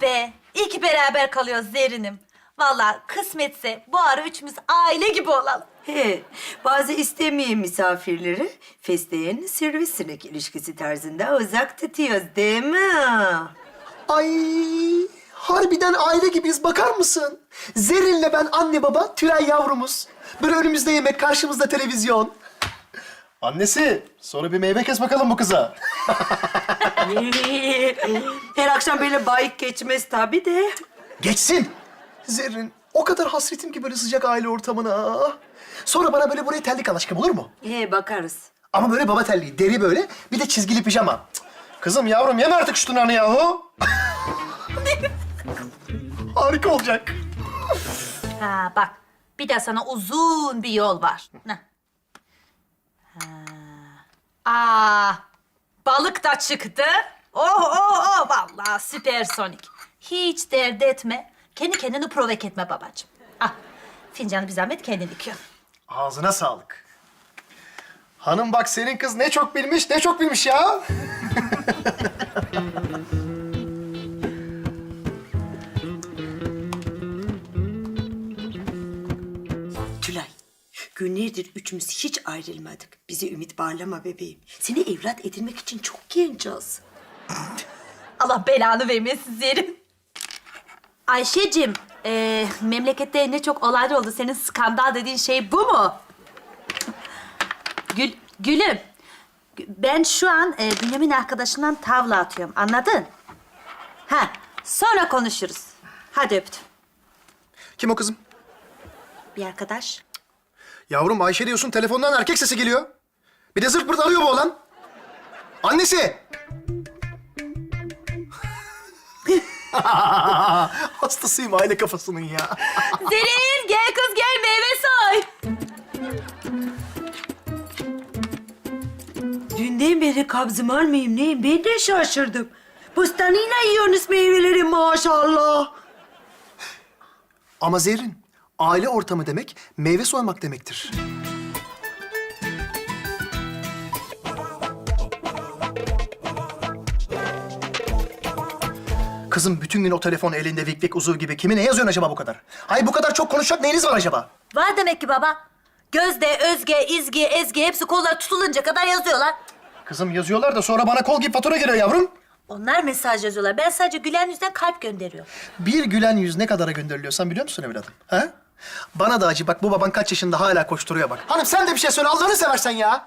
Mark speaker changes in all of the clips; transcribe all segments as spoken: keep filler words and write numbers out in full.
Speaker 1: be! İyi ki beraber kalıyoruz Zerrin'im. Vallahi kısmetse bu ara üçümüz aile gibi olalım.
Speaker 2: He, bazı istemeyen misafirleri fesleğen sivrisinek ilişkisi tarzında uzak tutuyoruz değil mi?
Speaker 3: Ay harbiden aile gibiyiz bakar mısın? Zerrin'le ben anne baba, Tülay yavrumuz. Böyle önümüzde yemek, karşımızda televizyon. Annesi, sonra bir meyve kes bakalım bu kıza.
Speaker 2: Her akşam böyle bayık geçmez tabii de.
Speaker 3: Geçsin. Zerrin, o kadar hasretim ki böyle sıcak aile ortamına. Sonra bana böyle buraya terlik al aşkım olur mu?
Speaker 2: He, bakarız.
Speaker 3: Ama böyle baba terliği, deri böyle, bir de çizgili pijama. Cık. Kızım yavrum yeme artık şu tırnağını yahu. Harika olacak.
Speaker 1: Ha bak, bir de sana uzun bir yol var. Heh. Ha. Aa, balık da çıktı. Oh oh oh, vallahi süpersonik. Hiç dert etme. Kendi kendini provok etme babacığım. Ah, fincanı bir zahmet kendin dikiyor.
Speaker 3: Ağzına sağlık. Hanım bak senin kız ne çok bilmiş, ne çok bilmiş ya.
Speaker 2: Tülay, günlerdir üçümüz hiç ayrılmadık. Bize ümit bağlama bebeğim. Seni evlat edinmek için çok genciz.
Speaker 1: Allah belanı vermesin Zerrin. Ayşe'cim, e, memlekette ne çok olaylar oldu. Senin skandal dediğin şey bu mu? Gül, gülüm, ben şu an e, Bünyamin arkadaşımdan tavla atıyorum. Anladın? Ha, sonra konuşuruz. Hadi öptüm.
Speaker 3: Kim o kızım?
Speaker 1: Bir arkadaş.
Speaker 3: Yavrum Ayşe diyorsun, telefondan erkek sesi geliyor. Bir de zırt pırt arıyor bu oğlan. Annesi! Hastasıyım aile kafasının ya.
Speaker 1: Zerrin, gel kız gel meyve soy.
Speaker 2: Dünden beri kabzım almayayım neyim? Ben de şaşırdım. Bostanıyla yiyorsunuz meyveleri maşallah.
Speaker 3: Ama Zerrin, aile ortamı demek meyve soymak demektir. Kızım bütün gün o telefon elinde vik vik uzuv gibi. Kimi ne yazıyorsun acaba bu kadar? Ay bu kadar çok konuşacak neyiniz var acaba?
Speaker 1: Var demek ki baba. Gözde, Özge, İzgi, Ezgi hepsi kollar tutulunca kadar yazıyorlar.
Speaker 3: Kızım yazıyorlar da sonra bana kol gibi fatura geliyor yavrum.
Speaker 1: Onlar mesaj yazıyorlar. Ben sadece gülen yüzden kalp gönderiyorum.
Speaker 3: Bir gülen yüz ne kadara gönderiliyor sen biliyor musun evladım? Ha? Bana da acı bak bu baban kaç yaşında hala koşturuyor bak. Hanım sen de bir şey söyle Allah'ını seversen ya.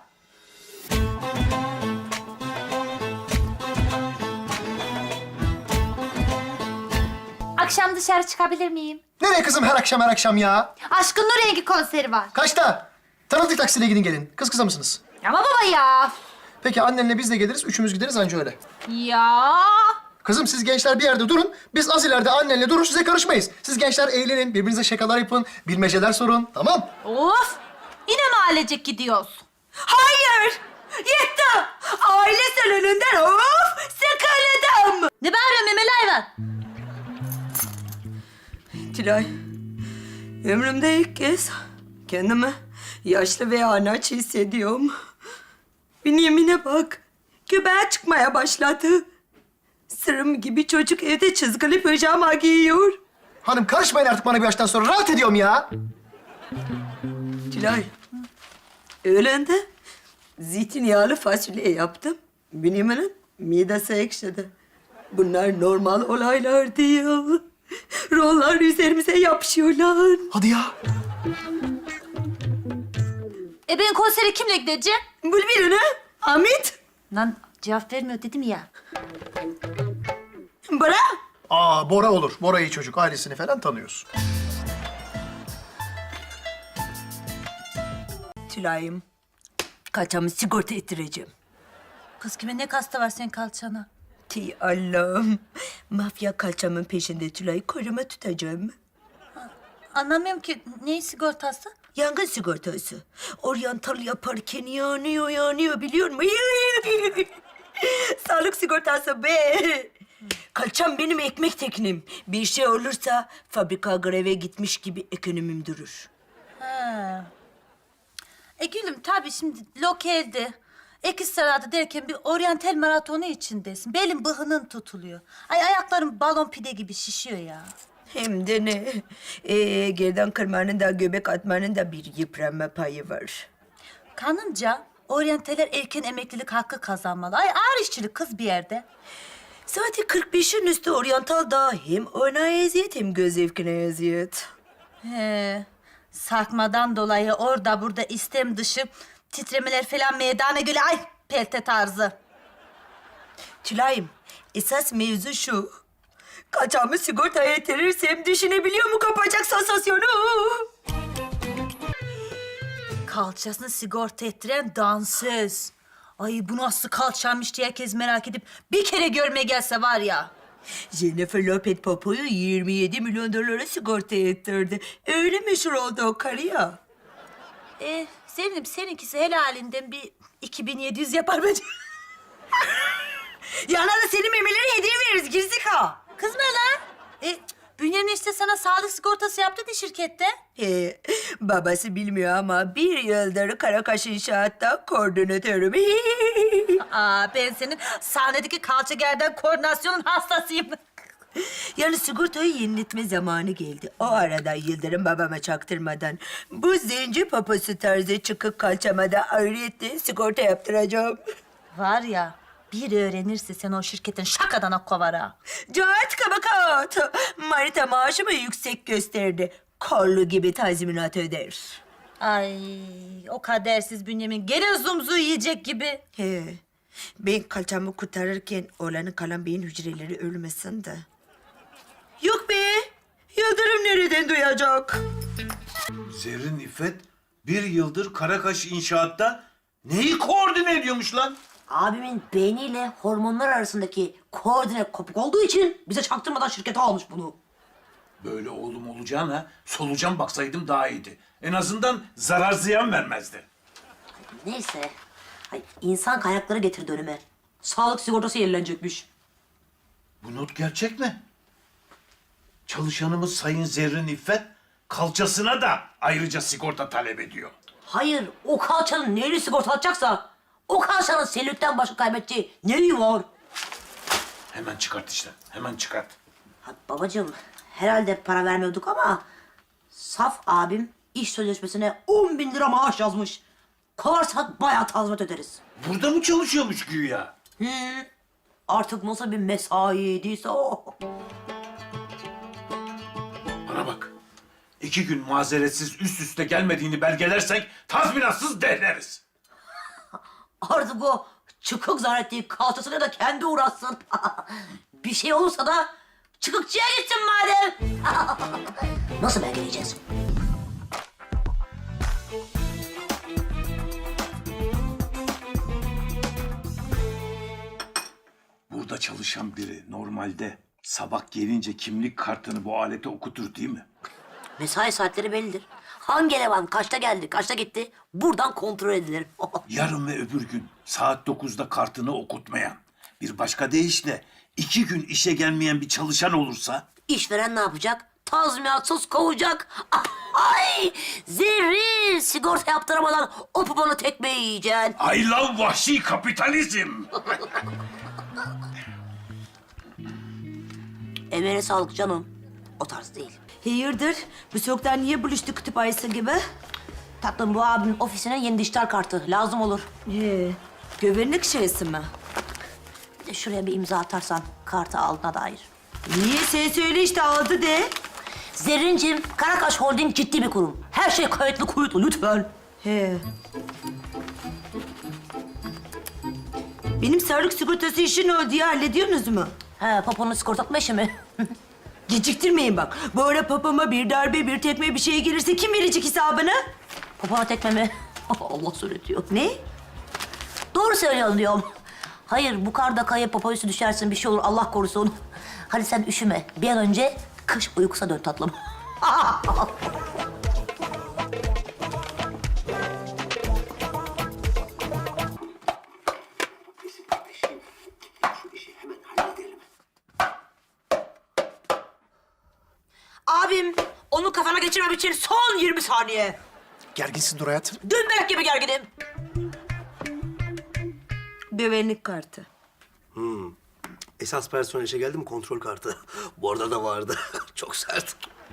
Speaker 1: Akşam dışarı çıkabilir miyim?
Speaker 3: Nereye kızım her akşam her akşam ya?
Speaker 1: Aşkın Nur Rengi konseri var.
Speaker 3: Kaçta? Tanıdık taksiyle gidin gelin. Kız kıza mısınız?
Speaker 1: Ama baba ya.
Speaker 3: Peki annenle biz de geliriz. Üçümüz gideriz anca öyle.
Speaker 1: Ya.
Speaker 3: Kızım siz gençler bir yerde durun. Biz az ileride annenle durur size karışmayız. Siz gençler eğlenin, birbirinize şakalar yapın, bilmeceler sorun. Tamam?
Speaker 1: Of. Yine mahallecek gidiyoruz.
Speaker 2: Hayır! Yetti! Aile salonundan of sıkıldım!
Speaker 1: Ne bağırıyorsun memeli hayvan?
Speaker 2: Tülay, ömrümde ilk kez kendimi yaşlı ve anaç hissediyorum. Bünyamin'e bak, göbeğe çıkmaya başladı. Sırım gibi çocuk evde çizgili pijama giyiyor.
Speaker 3: Hanım karışmayın artık bana bir yaştan sonra. Rahat ediyorum ya.
Speaker 2: Tülay, öğlende zeytinyağlı fasulye yaptım. Bünyamin'in midesi ekşidi. Bunlar normal olaylar değil. Rollar üzerimize yapışıyorlar.
Speaker 3: Hadi ya.
Speaker 1: E ben konsere kimle gideceğim?
Speaker 2: Bul birini. Hamit.
Speaker 1: Lan cevap vermiyor dedim ya.
Speaker 2: Bırak.
Speaker 3: Aa Bora olur. Bora iyi çocuk. Ailesini falan tanıyoruz.
Speaker 2: Tülay'ım, kaçamı sigorta ettireceğim.
Speaker 1: Kız kime ne kasta var senin kalçana?
Speaker 2: Ti Allah'ım. Mafya kaçamın peşinde Tülay'ı koruma tutacağım.
Speaker 1: Anlamıyorum ki. Neyin sigortası?
Speaker 2: Yangın sigortası. Oryantal yaparken yanıyor yanıyor biliyor musun? Sağlık sigortası be. Kalçam benim ekmek teknim. Bir şey olursa fabrika greve gitmiş gibi ekonomim durur.
Speaker 1: Ha. E gülüm tabii şimdi lokalde Ekiz Saray'da derken bir oryantal maratonu içindesin. Belin bıhının tutuluyor. Ay ayaklarım balon pide gibi şişiyor ya.
Speaker 2: Hem de ne? Ee, gerdan kırmanın da göbek atmanın da bir yıpranma payı var.
Speaker 1: Kanımca oryantaller erken emeklilik hakkı kazanmalı. Ay ağır işçilik kız bir yerde.
Speaker 2: Zaten kırk beşin üstü oryantal da hem ona eziyet hem göz zevkine eziyet.
Speaker 1: He, sarkmadan dolayı orada burada istem dışı titremeler falan meydana geliyor. Ay pelte tarzı.
Speaker 2: Tülay'ım, esas mevzu şu. Kaçağımı sigortaya yatırırsam düşünebiliyor mu kapacak sansasyonu?
Speaker 1: Kalçasını sigorta ettiren dansöz. Ay bu nasıl kalçaymış diye herkes merak edip bir kere görmeye gelse var ya.
Speaker 2: Jennifer Lopez Popo'yu yirmi yedi milyon dolara sigorta ettirdi. Öyle meşhur oldu o karı ya.
Speaker 1: E, Sevindim seninkisi helalinden bir iki bin yedi yüz yapar bence.
Speaker 2: Yana da senin memeleri hediye veririz Girzika.
Speaker 1: Kızma lan. E, Bünyamin işte sana sağlık sigortası yaptı da şirkette.
Speaker 2: He, babası bilmiyor ama bir yıldır Karakaş İnşaat'ta koordinatörüm.
Speaker 1: Aa, ben senin sahnedeki kalça gerdan koordinasyonun hastasıyım.
Speaker 2: Yani sigortayı yeniletme zamanı geldi. O arada Yıldırım babama çaktırmadan bu zenci papası tarzı çıkık kalçama da ayrıyetten sigorta yaptıracağım.
Speaker 1: Var ya, bir öğrenirse sen o şirketin şakadan kovar ha.
Speaker 2: Cahat kabakat. Marita maaşımı yüksek gösterdi. Kollu gibi tazminat öder.
Speaker 1: Ay, o kadersiz Bünyamin gene zumzu yiyecek gibi.
Speaker 2: He, ben kalçamı kurtarırken oğlanın kalan beyin hücreleri ölmesin de. Yok be, Yıldırım nereden duyacak?
Speaker 4: Zerrin İffet bir yıldır Karakaş İnşaat'ta neyi koordine ediyormuş lan?
Speaker 5: Abimin beyniyle hormonlar arasındaki koordine kopuk olduğu için bize çaktırmadan şirkete almış bunu.
Speaker 4: Böyle oğlum olacağına solucan baksaydım daha iyiydi. En azından zarar ziyan vermezdi.
Speaker 5: Neyse. Ay, insan kaynakları getirdi önüme. Sağlık sigortası yenilenecekmiş.
Speaker 4: Bu not gerçek mi? Çalışanımız Sayın Zerrin İffet kalçasına da ayrıca sigorta talep ediyor.
Speaker 5: Hayır, o kalçanın neyini sigorta atacaksa o kalçanın selülitten başka kaybedeceği neyi var?
Speaker 4: Hemen çıkart işte, hemen çıkart.
Speaker 5: Ha, babacığım, herhalde para vermiyorduk ama Saf abim iş sözleşmesine on bin lira maaş yazmış. Kovarsak bayağı tazminat öderiz.
Speaker 4: Burada mı çalışıyormuş güya?
Speaker 5: Artık nasıl bir mesaiyediyse o.
Speaker 4: Bana bak. İki gün mazeretsiz üst üste gelmediğini belgelersek tazminatsız dehleriz.
Speaker 5: Artık o çıkık zannettiği kalçasına da kendi uğraşsın. Bir şey olursa da çıkıkçıya gitsin madem. Nasıl belgeleyeceğiz?
Speaker 4: Burada çalışan biri normalde sabah gelince kimlik kartını bu alete okutur değil mi?
Speaker 5: Mesai saatleri bellidir. Hangi eleman kaçta geldi, kaçta gitti buradan kontrol edilir.
Speaker 4: Yarın ve öbür gün saat dokuzda kartını okutmayan, bir başka deyişle iki gün işe gelmeyen bir çalışan olursa...
Speaker 5: İşveren ne yapacak? Tazminatsız kovacak. Ay! Zerrin! Sigorta yaptıramadan o poponu tekmeyi yiyeceksin.
Speaker 4: I love vahşi kapitalizm.
Speaker 5: Emeğine sağlık canım. O tarz değil.
Speaker 2: Hayırdır? Bu soğuktan niye buluştuk kutup ayısı gibi?
Speaker 5: Tatlım bu abimin ofisine yeni dijital kartı lazım olur.
Speaker 2: He, güvenlik şeysi mi?
Speaker 5: Bir de şuraya bir imza atarsan kartı aldığına dair.
Speaker 2: Niye? Sen söyle işte aldı de.
Speaker 5: Zerrincim, Karakaş Holding ciddi bir kurum. Her şey kayıtlı kuyutlu lütfen.
Speaker 2: He. Benim sağlık sigortası işi ne oldu ya? Hallediyorsunuz mu?
Speaker 5: He, poponu sigortatma işi mi?
Speaker 2: Geciktirmeyin bak. Bu ara papama bir darbe, bir tekme bir şey gelirse kim verecek hesabını?
Speaker 5: Popona tekme mi? Allah söyletiyor.
Speaker 2: Ne?
Speaker 5: Doğru söylüyorsun diyorum. Hayır, bu karda kayıp popo üstü düşersin, bir şey olur, Allah korusun. Hadi sen üşüme. Bir an önce kış uykusuna dön tatlım. Abim, onu kafana geçirmem için son yirmi saniye.
Speaker 3: Gerginsin dur hayatım.
Speaker 5: Dümbelek gibi gerginim.
Speaker 2: Güvenlik kartı.
Speaker 6: Esas personel işe geldi mi kontrol kartı. Bu arada da vardı. Çok sert.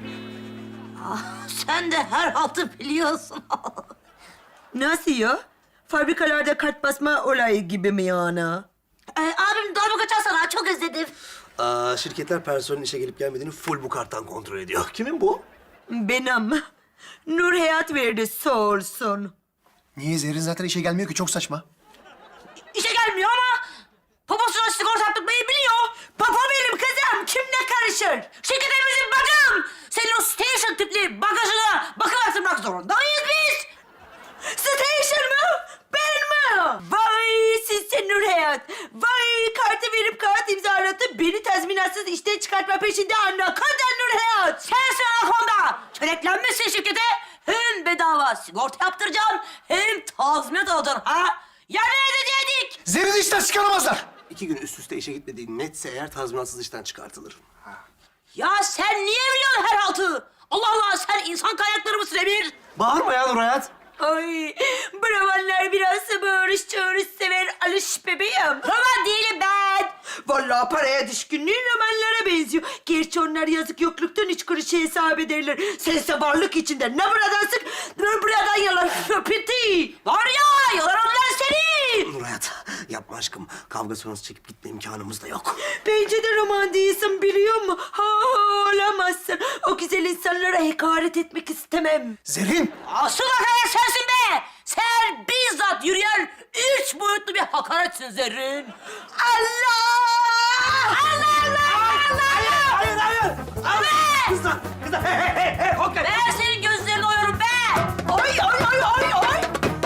Speaker 5: Sen de her haltı biliyorsun.
Speaker 2: Nasıl ya? Fabrikalarda kart basma olayı gibi mi yani?
Speaker 5: Ee, abim darbuka kaçarsana, çok özledim.
Speaker 6: Aa, şirketler personelin işe gelip gelmediğini full bu karttan kontrol ediyor. Kimin bu?
Speaker 2: Benim. Nur Hayat verdi sağ olsun.
Speaker 3: Niye? Zerrin zaten işe gelmiyor ki, çok saçma.
Speaker 5: İşe gelmiyor ama poposuna sigorta yaptırmayı biliyor.
Speaker 2: Papa benim kızım. Kim ne karışır?
Speaker 5: Şirketimizin bakım. Senin o station tipli bagajına bakım yaptırmak zorundayız biz.
Speaker 2: Station mı? Ben mi? Vay sizsin Nur Hayat. Vay kartı verip kağıt imzalatıp beni tazminatsız işten çıkartma peşinde anne. Kadın Nur Hayat.
Speaker 5: Sensin anakonda. Çöreklenmişsin şirkete. Hem bedava sigorta yaptıracaksın hem tazminat alacaksın ha. Ya ne edecektik?
Speaker 3: Zerrin'i işten çıkaramazlar.
Speaker 6: İki gün üst üste işe gitmediği netse eğer tazminatsız işten çıkartılır.
Speaker 5: Ya sen niye biliyorsun her haltı? Allah Allah sen insan kaynakları mısın Emir?
Speaker 6: Bağırma ya Nur Hayat.
Speaker 2: Ay bravanlar biraz bağırış çağırış sever alış bebeğim.
Speaker 5: Roman değilim ben.
Speaker 2: Vallahi paraya düşkünlüğün romanlara benziyor. Gerçi onlar yazık yokluktan üç kuruşu hesap ederler. Sense varlık içinde ne buradan sık ne buradan yalar. Piti.
Speaker 5: Var ya yalanlar seni.
Speaker 6: Nur Hayat yapma aşkım. Kavga sonrası çekip gitme imkanımız da yok.
Speaker 2: Bence de roman değilsin biliyor musun? Ha, ha olamazsın. O güzel insanlara hakaret etmek istemem.
Speaker 3: Zerrin!
Speaker 5: Asıl hakaret sensin be. Sen bizzat yürüyen üç boyutlu bir hakaretsin Zerrin.
Speaker 2: Allah!
Speaker 5: Allah Allah Allah.
Speaker 6: Hayır hayır.
Speaker 5: Abi.
Speaker 6: Kızlar kızlar. Hey hey hey hey. Okey.
Speaker 5: Ben senin gözlerini oyarım be.
Speaker 2: Ay ay ay ay ay!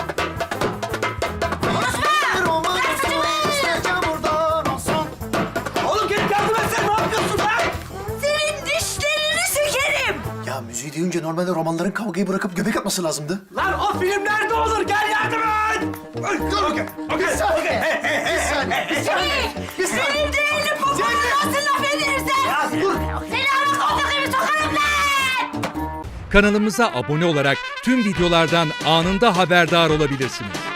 Speaker 5: Konuşma.
Speaker 3: Roman olsun, isteyeceğim buradan olsun.
Speaker 6: Oğlum gelip yardım etsene. Ne yapıyorsun lan?
Speaker 2: Senin dişlerini sökerim.
Speaker 3: Ya müziği duyunca normalde romanların kavgayı bırakıp göbek atması lazımdı.
Speaker 6: Lan o filmlerde olur. Gel yardım et. Dur. Okey. Okey.
Speaker 3: Bir saniye.
Speaker 6: Okey. Hey hey hey.
Speaker 3: Bir saniye, bir saniye. Bir saniye.
Speaker 2: Benim değerli babamı nasıl laf edersen?
Speaker 6: Ya dur.
Speaker 5: Seni ama kontaklarını sokarım lan.
Speaker 7: Kanalımıza abone olarak tüm videolardan anında haberdar olabilirsiniz.